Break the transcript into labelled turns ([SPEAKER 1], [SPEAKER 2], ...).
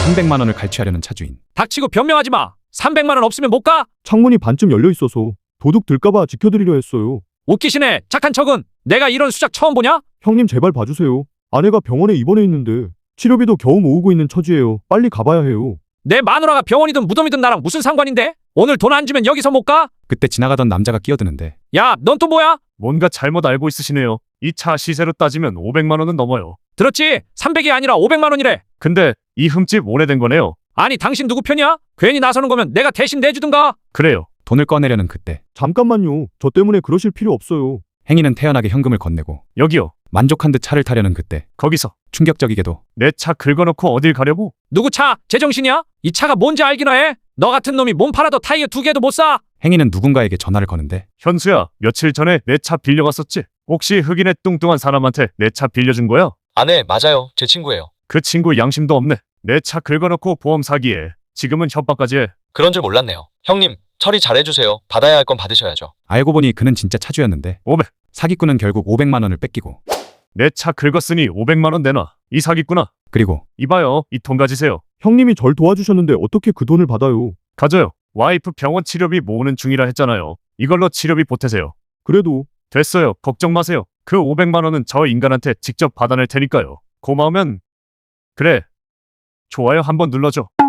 [SPEAKER 1] 300만 원을 갈취하려는 차주인.
[SPEAKER 2] 닥치고 변명하지 마. 300만 원 없으면 못 가?
[SPEAKER 3] 창문이 반쯤 열려 있어서 도둑 들까봐 지켜드리려 했어요.
[SPEAKER 2] 웃기시네. 착한 척은. 내가 이런 수작 처음 보냐?
[SPEAKER 3] 형님 제발 봐주세요. 아내가 병원에 입원해 있는데 치료비도 겨우 모으고 있는 처지예요. 빨리 가봐야 해요.
[SPEAKER 2] 내 마누라가 병원이든 무덤이든 나랑 무슨 상관인데? 오늘 돈 안 주면 여기서 못 가?
[SPEAKER 1] 그때 지나가던 남자가 끼어드는데
[SPEAKER 2] 야, 넌 또 뭐야?
[SPEAKER 4] 뭔가 잘못 알고 있으시네요. 이 차 시세로 따지면 500만 원은 넘어요.
[SPEAKER 2] 들었지? 300이 아니라 500만 원이래.
[SPEAKER 4] 근데 이 흠집 오래된 거네요.
[SPEAKER 2] 아니, 당신 누구 편이야? 괜히 나서는 거면 내가 대신 내주든가.
[SPEAKER 4] 그래요.
[SPEAKER 1] 돈을 꺼내려는 그때
[SPEAKER 3] 잠깐만요. 저 때문에 그러실 필요 없어요.
[SPEAKER 1] 행인은 태연하게 현금을 건네고
[SPEAKER 4] 여기요.
[SPEAKER 1] 만족한 듯 차를 타려는 그때
[SPEAKER 4] 거기서.
[SPEAKER 1] 충격적이게도
[SPEAKER 4] 내 차 긁어놓고 어딜 가려고?
[SPEAKER 2] 누구 차? 제정신이야? 이 차가 뭔지 알기나 해? 너 같은 놈이 몸 팔아도 타이어 2개도 못 사.
[SPEAKER 1] 행인은 누군가에게 전화를 거는데
[SPEAKER 4] 현수야, 며칠 전에 내 차 빌려갔었지? 혹시 흑인의 뚱뚱한 사람한테 내 차 빌려준 거야?
[SPEAKER 5] 아, 네, 맞아요. 제 친구예요.
[SPEAKER 4] 그 친구 양심도 없네. 내 차 긁어놓고 보험 사기에 지금은 협박까지 해.
[SPEAKER 5] 그런 줄 몰랐네요. 형님, 처리 잘해주세요. 받아야 할 건 받으셔야죠.
[SPEAKER 1] 알고 보니 그는 진짜 차주였는데
[SPEAKER 4] 500.
[SPEAKER 1] 사기꾼은 결국 500만 원을 뺏기고
[SPEAKER 4] 내 차 긁었으니 500만 원 내놔. 이 사기꾼아.
[SPEAKER 1] 그리고
[SPEAKER 4] 이봐요. 이 돈 가지세요.
[SPEAKER 3] 형님이 절 도와주셨는데 어떻게 그 돈을 받아요?
[SPEAKER 4] 가져요. 와이프 병원 치료비 모으는 중이라 했잖아요. 이걸로 치료비 보태세요.
[SPEAKER 3] 그래도
[SPEAKER 4] 됐어요. 걱정 마세요. 그 500만 원은 저 인간한테 직접 받아낼 테니까요. 고마우면 그래. 좋아요 한번 눌러줘.